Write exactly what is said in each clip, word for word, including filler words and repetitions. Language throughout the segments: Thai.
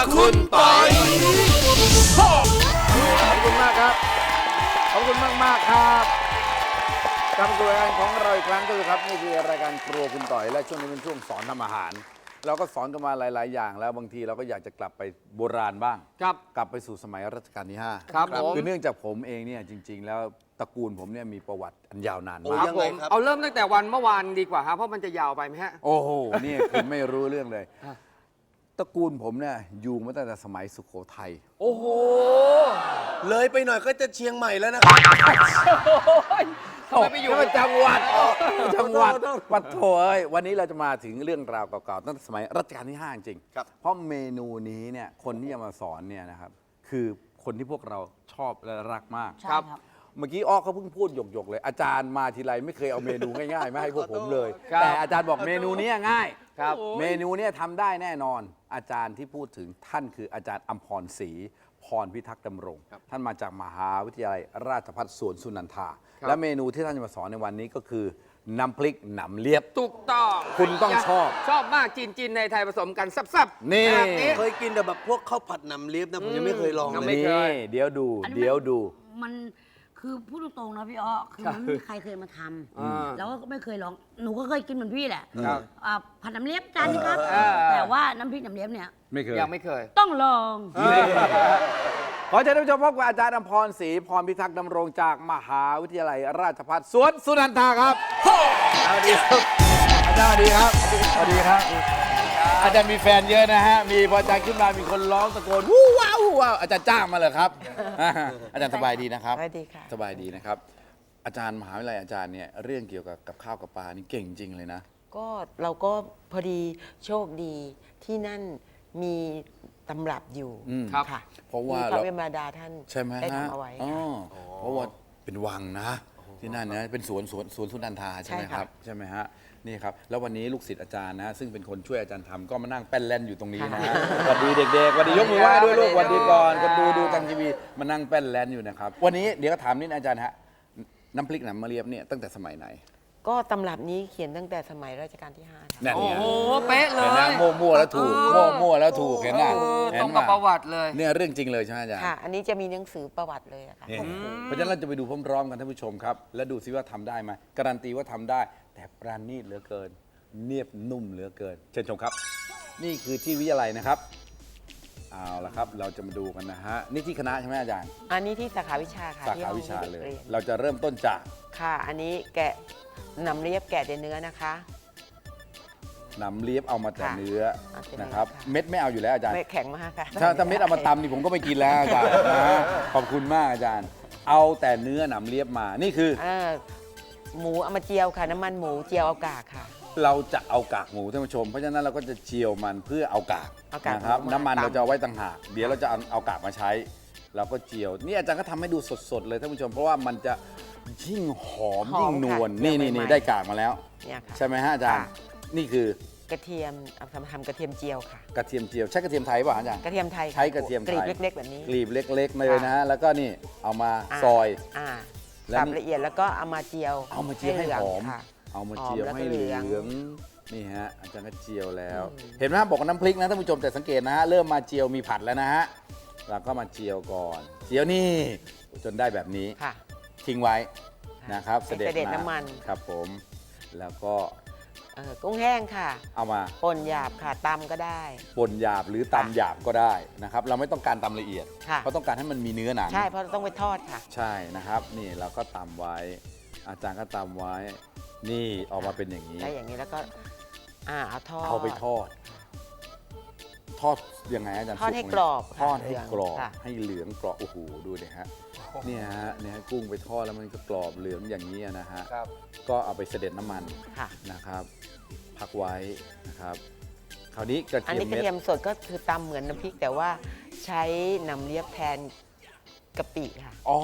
คุณปอยขอบคุณมากครับขอบคุณมากมากครับกลับมาสู่รายการของเราอีกครั้งก็คือครับนี่คือรายการครัวคุณต่อยและช่วงนี้เป็นช่วงสอนทำอาหาร เราก็สอนกันมาหลาย ๆ อย่างแล้วบางทีเราก็อยากจะกลับไปโบราณบ้างครับกลับไปสู่สมัยรัชกาลที่ห้าครับผมคือเนื่องจากผมเองเนี่ยจริง ๆ แล้วตระกูลผมเนี่ยมีประวัติอันยาวนานคมากรับผมเอาเริ่มตั้งแต่วันเมื่อวานดีกว่าครับเพราะมันจะยาวไปไหมฮะโอ้โหนี่คุณไม่รู้เรื่องเลยฮะตระกูลผมเนี่ยอยู่มาตั้งแต่สมัยสุโขทัยโอ้โหเลยไปหน่อยก็จะเชียงใหม่แล้วนะครับทำไมไปอยู่นี่มันจังหวัดจังหวัดขอโทษปัดโถเอ้ยวันนี้เราจะมาถึงเรื่องราวเก่าๆตั้งแต่สมัยรัชกาลที่ห้าจริงครับเพราะเมนูนี้เนี่ยคนที่จะมาสอนเนี่ยนะครับคือคนที่พวกเราชอบและรักมากครับเมื่อกี้อ้อเขาเพิ่งพูดหยกๆเลย อาจารย์มาทีไรไม่เคยเอาเมนูง่ายๆมาให้พวกผมเลยครับแต่อาจารย์บอกเมนูนี้ง่ายครับเมนูเนี้ทำได้แน่นอน อาจารย์ที่พูดถึงท่านคืออาจารย์อัมพรศรีพรพิทักษ์ดำรง ท่านมาจากมหาวิทยาลัยราชภัฏสวนสุนันทา และเมนูที่ท่านจะมาสอนในวันนี้ก็คือน้ำพริกหนำเลียบถูกต้องคุณต้องชอบชอบมากจีนจีนในไทยผสมกันซับๆนี่แบบนี้เคยกินแต่แบบพวกข้าวผัดหนำเลียบนะผมยังไม่เคยลองยังเลไม่ยเคยนี่เดี๋ยวดูอันนี้มันเดี๋ยวดูมันคือพูดตรงๆนะพี่อ้อคือมันไม่มีใครเคยมาทอ่าำแล้วก็ไม่เคยลองหนูก็เคยกินเหมือนพี่แหละครับอ่าผัดน้ำเลียบจานนี้ครับเออแต่ว่าน้ำพริกน้ำเลียบเนี่ยไม่เคยยังไม่เคยต้องลองขอเชิญท่านผู้ชมพบกับอาจารย์อัมพรศรีพรพิทักษ์ดำรงจากมหาวิทยาลัยราชภัฏสวนสุนันทาครับสวัสดีครับอาจารย์สวัสดีครับสวัสดีครับ อาจารย์มีแฟนเยอะนะฮะมีพออาจารย์ขึ้นมามีคนร้องตะโกนวู้ว้าววู้ว้าวอาจารย์จ้างมาเลยครับ อาจารย์สบายดีนะครับสบายดีค่ะสบายดีนะครับ อาจารย์มหาวิทยาลัยอาจารย์เนี่ยเรื่องเกี่ยวกับกับข้าวกับปลานี่เก่งจริงเลยนะก็เราก็พอดีโชคดีที่นั่นมีตำรับอยู่อืมครับค่ะเพราะว่าที่พเราระเวมราดาท่านใช่ไหมได้ฮะทำเอาไว้อ๋อค่ะเพราะว่าเป็นวังนะที่นั่นนะเป็นสวนสวนสวนสุนันทาใช่ไหมใช่คค่ะรับใช่ไหมฮะนี่ครับแล้ววันนี้ลูกศิษย์อาจารย์นะซึ่งเป็นคนช่วยอาจารย์ทำก็มานั่งแป้นแล่นอยู่ตรงนี้นะฮะสวัสดีเด็กๆสวัสดียกมือไหว้ด้วยลูกสวัสดีก่อนคนดูดูทางทีวีมานั่งแป้นแล่นอยู่นะครับวันนี้เดี๋ยวก็ถามนิดนะอาจารย์ฮะน้ำพริกหนำมะเรียบเนี่ยตั้งแต่สมัยไหนก็ตำรับนี้เขียนตั้งแต่สมัยรัชกาลที่ห้าค่ะนั่นโอ้ไงโห เป๊ะเลเห็นยนะมั่วๆแล้วถูกมั่วๆแล้วถูกเห็นไหมเออเห็ตรนงไหมกับประวัติเลยเนี่ยเรื่องจริงเลยใช่ไหมอาจารย์ค่ะ อันนี้จะมีหนังสือประวัติเลยอะค่ะนี่เพราะฉะนั้นเราจะไปดูพร้อมๆกันท่านผู้ชมครับ และดูซิว่าทำได้ไหมการันตีว่าทำได้ แต่ปราณีตเหลือเกิน เนียบนุ่มเหลือเกิน เชิญชมครับ นี่คือที่วิทยาลัยนะครับเอาละครับ เราจะมาดูกันนะฮะนี่ที่คณะใช่ไหมอาจารย์อันนี้ที่สาขาวิชาค่ะสาที่ขาห้องวิชาเลยรีนเราจะเริ่มต้นจากค่ะ อันนี้แกะนำเรียบแกะแต่เนื้อนะคะหนำเลียบเอามาแต่ค่ะเนื้อเอาแต่เนื้อนะครับค่ะเม็ดไม่เอาอยู่แล้วอาจารย์ไม่แข็งมากค่ะถ้าถ้าเม็ดเอามาตำนี่ผมก็ไม่กินแล้วอาจารย์นะฮะขอบคุณมากอาจารย์ เอาแต่เนื้อหนำเลียบมานี่คืออ่าหมูเอามาเจียวค่ะ น้ำมันหมูเจียวเอากากค่ะเราจะเอากากหมูท่านผู้ชม เพราะฉะนั้นเราก็จะเจียวมันเพื่อเอากากเอากากนะครับหมูมาน้ำมันตำเราจะเอาไว้ต่างหากเดี๋ยวเราจะเอาเอากากมาใช้ เราก็เจียว นี่อาจารย์ก็ทำให้ดูสดๆเลยท่านผู้ชม เพราะว่ามันจะยิ่งหอมหอมยิ่งนวลค่ะนี่เจีนี่ยวนี่ใหม่ๆได้กากมาแล้วเนี่ยค่ะใช่ไหมฮะอาจารย์ค่ะนี่คือกระเทียมเอาทำทำกระเทียมเจียวค่ะกระเทียมเจียวใช้กระเทียมไทยป่ะอาจารย์กระเทียมไทยค่ใช้กระเทียมไทยกรีบเล็กๆแบบนี้กลีบเล็กๆเลยนะฮะแล้วก็นี่เอามาอ่าซอยอ่าแล้วสับนี่ละเอียดแล้วก็เอามาเจียวเอามาเจียวให้ลืงหอมค่ะเอามาเจียวหอมแล้วก็ให้เหลืเหลืององนี่ฮะอาจารย์ก็เจียวแล้ว เห็นไหมฮะบอกว่าน้ำพริกนะท่านผู้ชมแต่สังเกตนะฮะเริ่มมาเจียวมีผัดแล้วนะฮะเราก็มาเจียวก่อน เจียวนี่จนได้แบบนี้ค่ะทิ้งไว้นะครับให้เสด็จน้ำมันครับผมแล้วก็เอ่อกุ้งแห้งค่ะเอามาป่นหยาบค่ะตำก็ได้ป่นหยาบหรือตำหยาบก็ได้นะครับเราไม่ต้องการตำละเอียดค่ะเพราะต้องการให้มันมีเนื้อหนังใช่เพราะต้องไปทอดค่ะใช่นะครับนี่เราก็ตำไว้ อาจารย์ก็ตำไว้ นี่ออกมาเป็นอย่างนี้ได้อย่างนี้แล้วก็อ่าเอาทอดเอาไปทอด ทอดยังไงอาจารย์ทอดให้สุไหมกรอบทอดให้เหลืองกรอบค่ะให้เหลืองกรอบโอ้โหดูดิฮะเนี่ยฮะเนี่ยกุ้งไปทอดแล้วมันก็กรอบเหลืองอย่างนี้นะฮะครับก็เอาไปเสด็จน้ำมันค่ะนะครับ พักไว้นะครับ คราวนี้กระอันเทียมนี้กระเม็ดเทียมสดก็คือตำเหมือนน้ำพริกแต่ว่าใช้น้ำเลียบแทนกะปิค่ะอ๋อ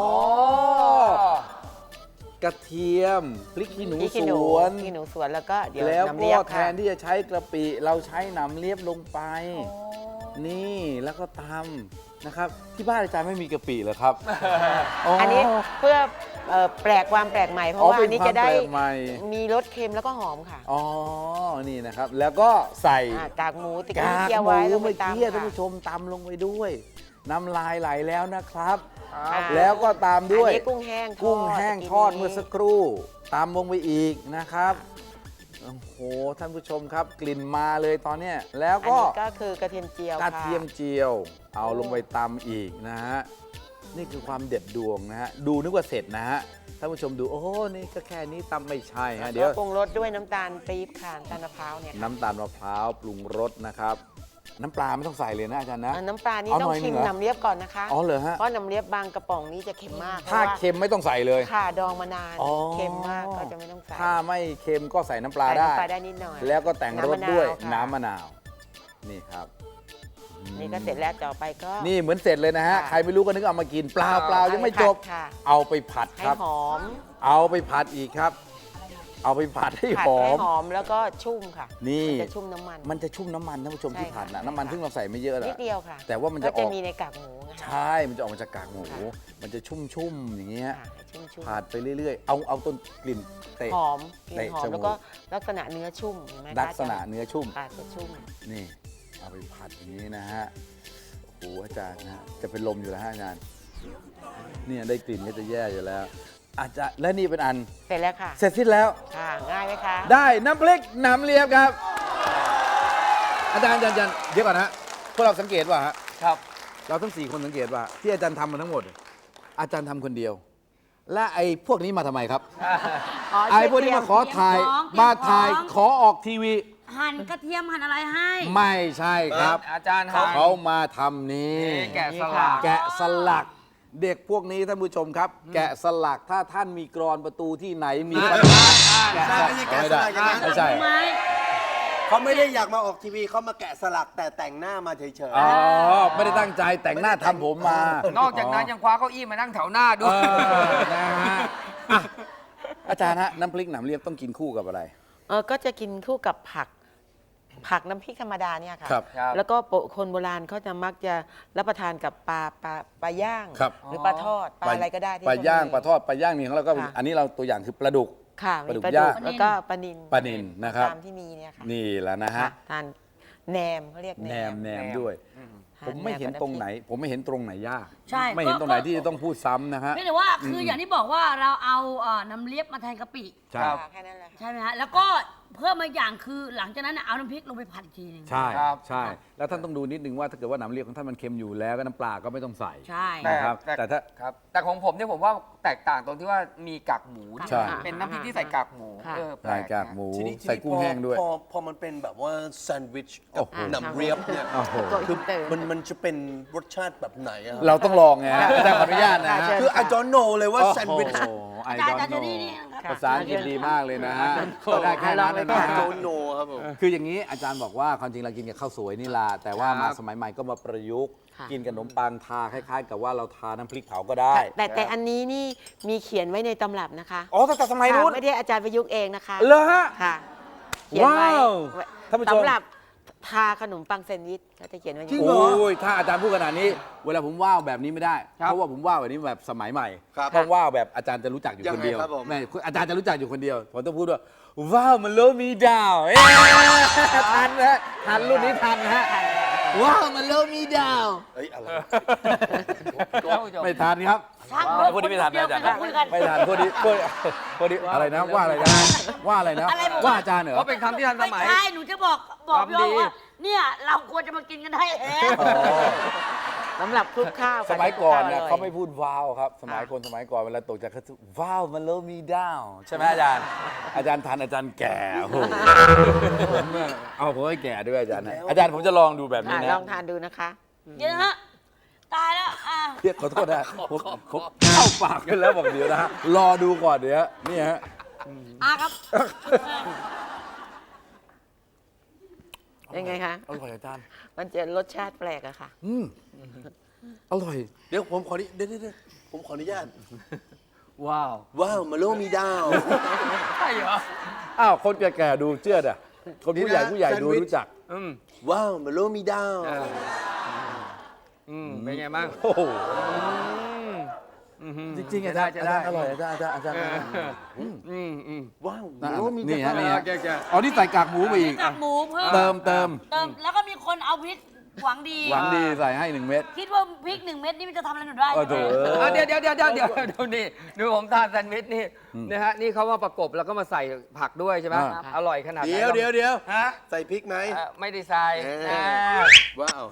กระเทียมพริกขี้หนูพริกสขี้หนูวนพริกขี้หนูสวนแล้วก็เดี๋ยวแล้วน้ำก็เลียบแทค่ะนที่จะใช้กระปิเราใช้หนำเลียบลงไป นี่แล้วก็ตำนะครับที่บ้านอาจารย์ไม่มีกะปิเหรอครับอันนี้เพื่อเอ่อแปลกความแปลกใหม่เพอ๋อราะว่าเป็นอันนี้ความจะได้แปลกใหม่มีรสเค็มแล้วก็หอมค่ะอ๋อนี่นะครับ แล้วก็ใส่อ่ากากหมูตะกากี้กเคี่ยวหมูไว้ลงไปเมื่อตามกี้ท่านค่ะผู้ชมตำลงไปด้วย น้ำลายไหลแล้วนะครับค่ะแล้วก็ตามด้วยอันนี้กุ้งแห้งทอดกุ้งแห้งทอดเมื่อสักครู่ตามลงไปอีกนะครับโอ้โหท่านผู้ชมครับกลิ่นมาเลยตอนเนี้ยแล้วอันก็นี้ก็คือกระเทียมเจียวกค่ะระเทียมเจียว เอาลงไปตำอีกนะฮะนี่คือความเด็ดดวงนะฮะดูนึกว่าเสร็จนะฮะท่านผู้ชมดูโอ้โหนี่ก็แค่นี้ตำไม่ใช่ฮะเดี๋ยวปรุงรสด้วยน้ำตาลปี๊บค่ะน้ำตาลมะพร้าวเนี่ยค่ะน้ำตาลมะพร้าวปรุงรสนะครับ น้ำปลาไม่ต้องใส่เลยนะอาจารย์นะอ่าน้ำปลานี่เอาต้อหงน่อยหนึ่ชิงมเหรอน้ำเลียบก่อนนะคะอ๋อเหรอฮะเพราะน้ำเลียบบางกระป๋องนี้จะเค็มมากถ้าพระว่เค็มไม่ต้องใส่เลยค่ะดองมานานอ๋อเค็มมากก็จะไม่ต้องใส่ถ้าไม่เค็มก็ใส่น้ำปลาใส่ได้น้ำปลาได้นิดหน่อยแล้วก็แต่งรสด้วยน้ำมะนาวน้ำมะนาวนี่ครับนี่ก็เสร็จแล้วต่อไปก็นี่เหมือนเสร็จเลยนะฮะค่ะใครไม่รู้ก็นึกเอามากินเปล่าเปล่ายังไม่จบค่ะเอาไปผัดให้ครับหอมเอาไปผัดอีกครับ เอาไปผัดให้ผัดหอให้มหอมแล้วก็ชุ่มค่ะนี่มันจะชุ่มน้ำมันมันจะชุ่มน้ำมันท่านผู้ชมใช่ที่ผัดนะค่ะน้ำมันใช่ค่ะซึ่งเราใส่ไม่เยอะนินะดเดียวค่ะแต่ว่ามันจะก็อจะอกมีในกากหมูนะคะใช่ มันจะออกมาจากกากหมูค่ะมันจะชุ่มๆอย่างเงี้ยค่ะชุ่มชุ่มผัดไปเรื่อยๆ เอาเอาต้นกลิ่นเตะหอมกลิ่นหอมเตะจมูกแล้วก็ลักษณะเนื้อชุ่มเห็นไหมคะลักษณะเนื้อชุ่มค่ะจะชุ่มนี่ เอาไปผัดอย่างนี้นะฮะ โอ้โหอาจารย์นะฮะจะเป็นลมอยู่แล้วฮะอาจารย์เนี่ยได้กลิ่นก็จะแย่อยู่แล้ว อาจารย์และนี่เป็นอันเสร็จแล้วค่ะเสร็จสิ้นแล้วค่ะง่ายไหมคะได้น้ำพริกหนำเลียบครับ อาจารย์อาจารย์อาจารย์เดี๋ยวก่อนนะฮะพวกเราสังเกตว่าฮะครับเราทั้งสี่คนสังเกตว่า ที่อาจารย์ทำมาทั้งหมด อาจารย์ทำคนเดียว และไอ้พวกนี้มาทำไมครับอ๋อไอ้พวกนี้มาขอถ่ายเตรียมของมาถ่ายเตรียมของขอออกทีวีหั่นกระเทียมหั่นอะไรให้ไม่ใช่ครับอาจารย์หั่นเขามาทำนี้นี่แกะสลักแกะสลัก เด็กพวกนี้ท่านผู้ชมครับ แกะสลักถ้าท่านมีกรอนประตูที่ไหนมีปัญหาแกะสลักไม่ใช่แกะสลักอย่างนั้นไม่ใช่ไหมเขาไม่ได้อยากมาออกทีวีเขามาแกะสลักแต่แต่งหน้ามาเฉยอ๋อไม่ได้ตั้งใจแต่งหน้าทำผมมานอกจากนั้นยังคว้าเก้าอี้มานั่งแถวหน้าด้วเอย อนะฮะอ่ะอาจารย์ฮะน้ำพริกหนำเลียบต้องกินคู่กับอะไรเออก็จะกินคู่กับผัก ผักน้ำพริกธรรมดาเนี่ยค่ะครับครับแล้วก็โปะคนโบราณเขาจะมักจะรับประทานกับปลาปลาปลาย่างครับหรือปลาทอดปลาอะไรก็ได้ที่ปลาย่างพวกนี้ปลาทอดปลาย่างนี่ของเราก็ค่ะอันนี้เราตัวอย่างคือปลาดุกค่ะปลาดุมีกปลาย่าดุงกแล้วก็ปลานิลปลานิลนะครับตามที่มีเนี่ยค่ะนี่แหละนะฮะค่ะทานแหนมเขาเรียกแหแหนนมมแหนมด้วยทาผมไม่เห็นแบตรงไหน ผมไม่เห็นตรงไหนยากใช่ไม่เห็นก็ตรงไหนก็ที่จะต้องพูดซ้ำนะฮะไม่แต่ว่าคืออย่างที่บอกว่าเราเอาเอ่อน้ำเลียบมาแทนกะปิใช่ค่ะแค่นั้นแหละค่ะใช่ไหมฮะแล้วก็เพิ่มมาอย่างคือหลังจากนั้นน่ะเอาน้ำพริกลงไปผัดอีกทีหนึงใช่ครับใช่ แล้วท่านต้องดูนิดนึงว่าถ้าเกิดว่าหนำเลียบของท่านมันเค็มอยู่แล้วก็น้ำปลาก็ไม่ต้องใส่ใช่แต่นะครับแต่ถ้าครับ แต่ของผมเนี่ยผมว่าแตกต่างตรงที่ว่ามีกากหมูใช่เป็นน้ำพริกที่ใส่กากหมูค่ะเออแปลใส่กกากหมูๆทีนี้ทีใส่นี้กุ้งพอแห้งด้วยพอพอมันเป็นแบบว่าแซนด์วิชโอ้กับโหหนำเรียบเนี่ยโอ้โหคือมันมันจะเป็นรสชาติแบบไหนอะครับเราต้องลองไงฮะอาจารย์ขออนุญาตนะฮะคือ I don't know เลยว่าแซนด์วิชโอ้โหไออาดจารย์ออาจารย์นเจโนนี่นี่นะครับค่ะภาษาอังกฤษดีมากเลยนะฮะก็ได้แค่นั้นนะลองฮะไป don't know ครับผมคืออย่างนี้อาจารย์บอกว่าความจริงเรากินกับข้าวสวยนี่ล่ะแต่ว่าครับมาสมัยใหม่ก็มาประยุกต์ค่ะกินกับขนมปังทาคล้ายๆ กับว่าเราทาน้ำพริกเผาก็ได้แต่แต่อันนี้นี่มีเขียนไว้ในตำรับนะคะอ๋อตั้งแต่สมัยนู้นค่ะไม่ได้อาจารย์ประยุกต์เองนะคะเหรอฮะค่ะ เขียนไว้ว้าวท่านผู้ชมสำหรับทาขนมปังแซนด์วิชเขาจะเขียนไว้อย่างจริงนี้เหรอโอ้ยถ้าอาจารย์พูดขนาดนี้ เวลาผมว่าวแบบนี้ไม่ได้ เพราะว่าผมว่าวแบบนี้แบบสมัยใหม่ครับต้องว่าวแบบอาจารย์จะรู้จักอยู่คนเดียวยังไงครับผมแม่อาจารย์จะรู้จักอยู่คนเดียวผมต้องพูดว่าว้าวมันโลมีดาวเอ๊ะทันนะทันรุ่นนี้ทันนะฮะว้าวมันโลมีดาวเฮ้ยอะไรท่านผู้ชมไม่ทันครับช่างพวกนี้ไม่ทันนะอาจารย์เดี๋ยวคุยกันไม่ทันพวกนี้พวกพวกนี้อะไรนะว่าอะไรนะว่าอะไรนะอะไรบอกว่าอาจารย์เหรอเพราะเป็นคำที่ทันสไม่มัยใช่หนูจะบอกบอกพี่ความดีโอ๊คว่าเนี่ยเราควรจะมากินกันได้แล้วอ๋อสำหรับคลุกข้าวสมัยก่อนเนี่ยร่เขาไม่พูดว้าวครับ สมัยคนสมัยก่อนเวลาตกจากเขาจะว้าวมันโลมีดาวใช่ไหมอาจารย์ อาจารย์ทันอาจารย์แก่โอ้โหผมเนี่ยเอาผมให้แก่ด้วยอาจารย์นะอาจารย์ผมจะลองดูแบบนี้อ่ะนะลองทานดูนะคะเดี๋ยวนะฮะตายแล้วอ่ะเรียกขอโทษนะผมผมเข้าปากกันแล้วบอกเดี๋ยวนะฮะรอดูก่อนเดี๋ยวนี่ฮะอ่ะครับยังไงคะอร่อยอาจารย์มันจะรสชาติแปลกอะค่ะอืมอร่อยเดี๋ยวผมขอนิเดี๋ยวเดี๋ยวเดี๋ยวผมขออนุญาตว้าวว้าวมาโลมีดาวใช่เหรออ้าวคนแก่ๆดูเชื่อดอ่ะคนผู้ใหญ่ผู้ใหญ่ดูรู้จักอืมว้าวมาโลมีดาวอืมเป็นไงบ้างโอ้โหอืมจริงๆอาจารย์จะอาได้จารย์อร่อยอาจารย์อาจารย์อาจารย์เอออืมอืมว้าวนะโอ้มีนี่แต่ฮะนี่ฮะแกแกอ๋อนี่ใส่กากหมูไปอีกกากหมูเพิ่มเติมเติมเติมแล้วก็มีคนเอาพริกหวังดีหวังดีใส่ให้หนึ่งเม็ดคิดว่าพริกหนึ่งเม็ดนี่มันจะทำอะไรหนูได้โอ้โถอ่ะเดี๋ยวเดี๋ยวเดี๋ยวเดี๋ยวเดี๋ยวดูนี่ดูผมทานแซนด์วิชนี่นะฮะนี่เขามาประกบแล้วก็มาใส่ผักด้วยใช่ไหมอ่าอร่อยขนาดไหนเดี๋ยวเดี๋ยวเดี๋ยวฮะใส่พริกไหมอ่ะไม่ได้ใส่เอออ่าว้าว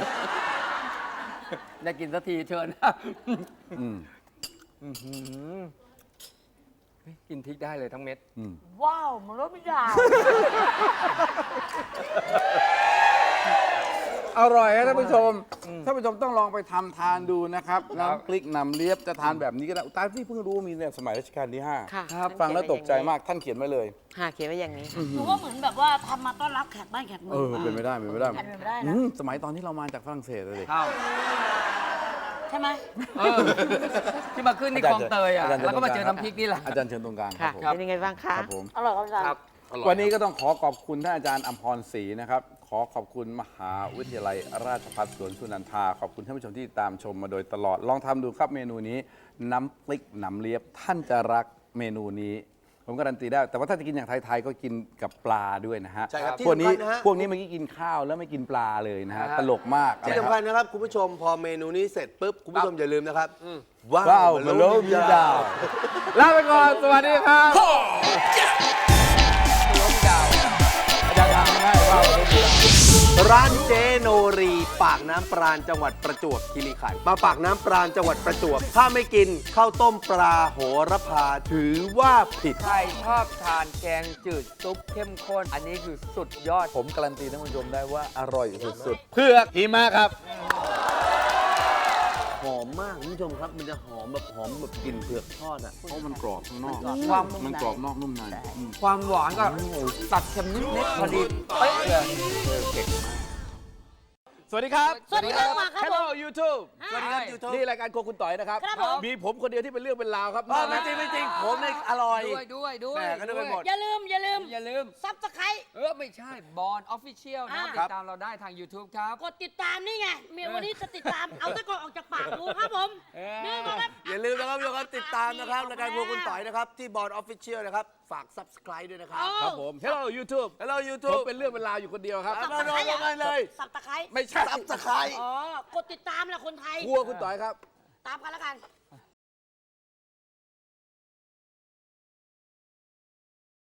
อยากกินสักทีเชิญนะอืมอื้อหือเฮ้ยกินพริกได้เลยทั้งเม็ดอืมว้าวมันรสไม่ได้อร่อยครับท่านผู้ชมท่านผู้ชมต้องลองไปทำทานดูนะครับน้ำพริกหนำเลียบจะทานแบบนี้ก็ได้ตาที่เพิ่งรู้มีเนี่ยสมัยรัชกาลที่ห้าค่ะครับฟังแล้วตกใจมากท่านเขียนไว้เลยค่ะเขียนไว้อย่างนี้หนูว่าเหมือนแบบว่าทำมาต้อนรับแขกบ้านแขกเมืเอองอเป็นไม่ได้เป็นไม่ได้เป็นไปได้อืนะมสมัยตอนที่เรามาจากฝรั่งเศสเลยดิข้าวใช่ไหมเออที่มาขึ้นที่คลองเตยอ่ะอาจารย์แล้วก็มาเจอน้ำพริกนี่แหละอาจารย์เชิญตรงกลางคค่ะรับผมเป็นยังไงบ้างคะครับผมอร่อยครับอาจารย์ครับวันนี้ก็ต้องขอขอบคุณท่านอาจารย์อำพรศรีนะครับ ขอขอบคุณมหาวิทยาลัยราชภัฏสวนสุนันทา ขอบคุณท่านผู้ชมที่ตามชมมาโดยตลอด ลองทำดูครับเมนูนี้ น้ำพริกหนำเลียบ ท่านจะรักเมนูนี้ ผมการันตีได้ แต่ว่าถ้าจะกินอย่างไทยๆก็กินกับปลาด้วยนะฮะใช่ครับพวกนี้ที่สำคัญนะฮะพวกนี้เมื่อกี้กินข้าวแล้วไม่กินปลาเลยนะฮะอ่าตลกมากที่นะสำคคัรัญบนะครับ คุณผู้ชมพอเมนูนี้เสร็จปุ๊บ คุณผู้ชมอย่าลืมนะครับว้าวมาโลมีดาวลาไปก่อน สวัสดีครับล้มดาวอาจารย์ทำให้ว้าวมาโลมีดาวร้านเจโนรีปากน้ำปราณจังหวัดประจวบคีรีขันธ์มาปากน้ำปราณจังหวัดประจวบ ถ้าไม่กินข้าวต้มปลาโหระพาถือว่าผิดใครชอบทานแกงจืดซุปเข้มข้น อันนี้คือสุดยอดผมการันตีท่านผู้ชมได้ว่าอร่อยสุดๆเพือกหิมะครับหอมมากคุณผู้ชมครับ มันจะหอมแบบหอมแบบกลิ่นเผือกทอดอ่ะเพราะมันกรอบข้างนอกความมันกรอบนอกนุ่มในอืมความหวานก็ตัดเค็มนิดๆพอดีเป๊ะเลยสวัสดีครับสวัสดีครับมาครับผม Hello YouTube สวัสดีครับ YouTube นี่รายการโครัวคุณต่อยนะครับครับผมมีผมคนเดียวที่เป็นเรื่องเป็นราวครับไม่จริงไม่จริงผมเนี่ยอร่อยด้วยด้วยด้วยแหม่ก็นึกไปหมดอย่าลืมอย่าลืมอย่าลืมซับสไครต์เออ ไม่ใช่บอลออฟฟิเชียลนะครับอ่าติดตามเราได้ทาง YouTube ครับกดติดตามนี่ไงเมียวันนี้จะติดตาม เอาตะกอนออกจากปากดูครับผมเออนี่นะครับอย่าลืมนะครับทุกคนติดตามนะครับรายการพวกคุณต่อยนะครับ ที่บอร์ดออฟฟิเชียลนะครับ ฝาก Subscribe ด้วยนะครับครับผม Hello YouTube Hello ผม YouTube เป็นเรื่องเป็นราวอยู่คนเดียวครับเอามาลงกันเลยสับตะไคร้ไม่ใช่ Subscribe อ๋อกดติดตามแหละคนไทยครัวคุณต่อยครับตามกันแล้วกัน